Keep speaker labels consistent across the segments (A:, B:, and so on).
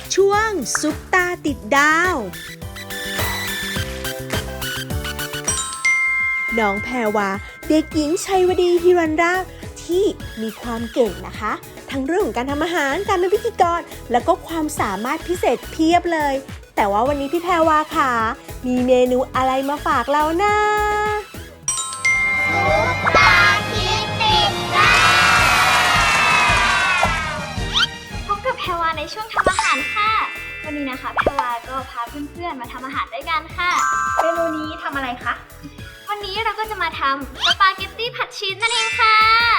A: ช่วงซุปตาติดดาวน้องแพรวาเด็กหญิงชัยวดีฮิรันราชที่มีความเก่งนะคะ ทั้งเรื่องของการทำอาหารการเป็นพิธีกรแล้วก็ความสามารถพิเศษเพียบเลยแต่ว่าวันนี้พี่แพรวาค่ะมีเมนูอะไรมาฝากเรานะ
B: พบกับแพรวาในช่วงทำอาหารค่ะวันนี้นะคะแพรวาก็พาเพื่อนๆมาทำอาหารด้วยกันค่ะเมนูนี้ทำอะไรคะวันนี้เราก็จะมาทำสปาเกตตี้ผัดชีสนั่นเองค่ะ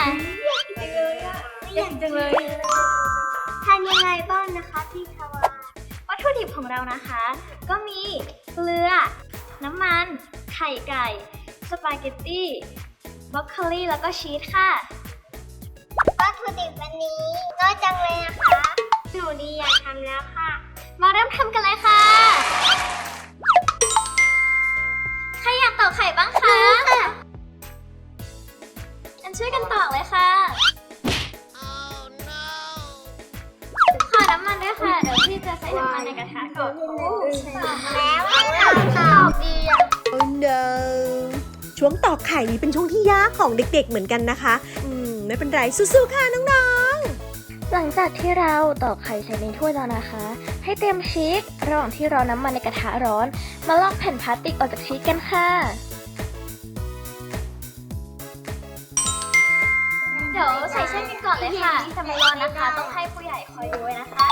B: อยากจังเลยทานยังไงบ้างนะคะพี่แพรวาวัตถุดิบของเรานะคะก็มีเกลือน้ำมันไข่ไก่สปาเกตตี้บรอกโคลีแล้วก็ชีสค่ะวัตถุดิบวันนี้น้อยจังเลยนะคะหนูดีอยากทำแล้วค่ะมาเริ่มทำกันเลยค่ะใครอยากตอกไข่บ้างคะงั้นช่วยกันตอกเลยค่ะขอน้ำมันด้วยค่ะเดี๋ยวพี่จะใส่น้ำมันในกระทะก่อนแล้วตอกดีอ่ะ
A: Oh no ช่วงตอกไข่นี้เป็นช่วงที่ยากของเด็กๆเหมือนกันนะคะไม่เป็นไรสู้ๆค่ะน้องๆ
C: หลังจากที่เราตอกไข่ใส่ในถ้วยแล้วนะคะ ให้เตรียมชีสระหว่างที่รอน้ำมันในกระทะร้อนมาลอกแผ่นพลาสติกออกจากชีสกันค่ะ
B: เดี๋ยวใส่เส้นกันก่อนเลยค่ะแต่ไม่ร้อนนะคะ ต้องให้ผู้ใหญ่คอยดูไว้นะคะ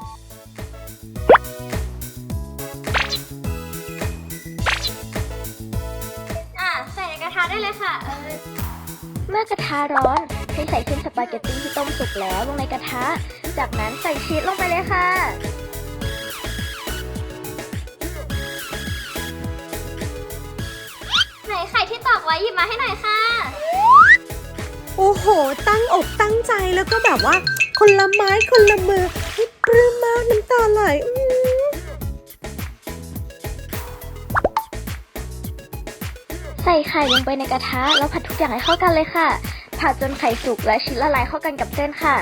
B: ใส่ในกระทะได้เลยค่ะ
C: เมื่อกระทะร้อนให้ใส่เส้นสปาเกตตี้ที่ต้มสุกแล้วลงในกระทะจากนั้นใส่ชีสลงไปเลยค่ะ
B: ไหนไข่ที่ตอกไว้หยิบมาให้หน่อยค่ะ
A: โอ้โหตั้งอกตั้งใจแล้วก็แบบว่าคนละไม้คนละมือให้ปลื้มมากน้ำตาไหล
C: ใส่ไข่ลงไปในกระทะแล้วผัดทุกอย่างให้เข้ากันเลยค่ะผัดจนไข่สุกและชีสละลายเข้ากันกับเส้นค่ะ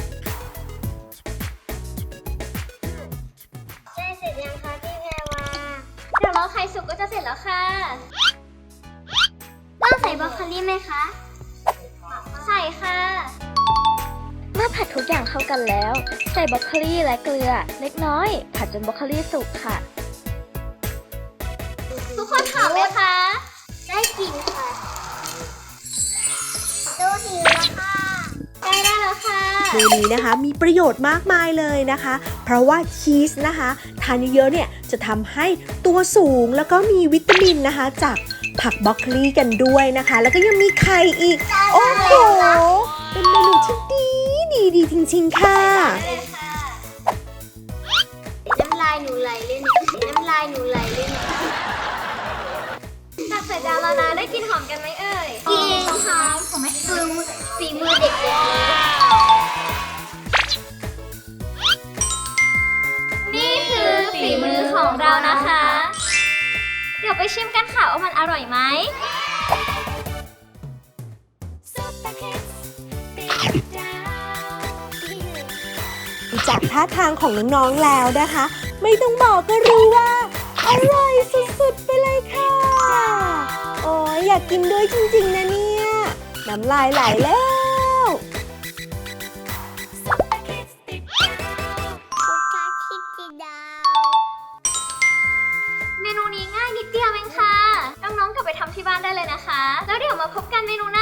B: ใช่เสร็จยังคะพี่แพรวาเดี๋ยวรอไข่สุกก็จะเสร็จแล้วค่ะต้องใส่บรอกโคลีไหมคะใส่ค่ะ
C: เมื่อผัดทุกอย่างเข้ากันแล้วใส่บรอกโคลีและเกลือเล็กน้อยผัดจนบรอกโคลีสุกค่ะ
B: ทุกคนหอมไหมคะได้กลิ่นค่ะดูหิวแล้วค่ะใกล้ได้แล้วค่ะ
A: เมนูนี้นะคะมีประโยชน์มากมายเลยนะคะเพราะว่าชีสนะคะทานเยอะๆเนี่ยจะทำให้ตัวสูงแล้วก็มีวิตามินนะคะจากผักบรอกโคลีกันด้วยนะคะแล้วก็ยังมีไข่อีกโอ้โหเป็นเมนูที่ดีจริงๆค่ะ
B: น้ำลายหนูไหลเลยเนี่ยน้ำลายหนูไหลเลยเนี่ยตักใส่จานแล้วนะได้กลิ่นหอมกันไหมเอ่ยกลิ่นหอมของแม่คือฝีมือเด็กเลยนี่คือฝีมือของเรานะคะเดี๋ยวไปชิมกันค่ะว่ามันอร่อยไหม
A: จากท่าทางของน้องๆแล้วนะคะไม่ต้องบอกก็รู้ว่าอร่อยสุดๆไปเลยค่ะโอ้ยอยากกินด้วยจริงๆนะเนี่ยน้ำลายไหลแล้ว
B: เมนูนี้ง่ายนิดเดียวเองค่ะน้องๆกลับไปทำที่บ้านได้เลยนะคะแล้วเดี๋ยวมาพบกันเมนูหน้า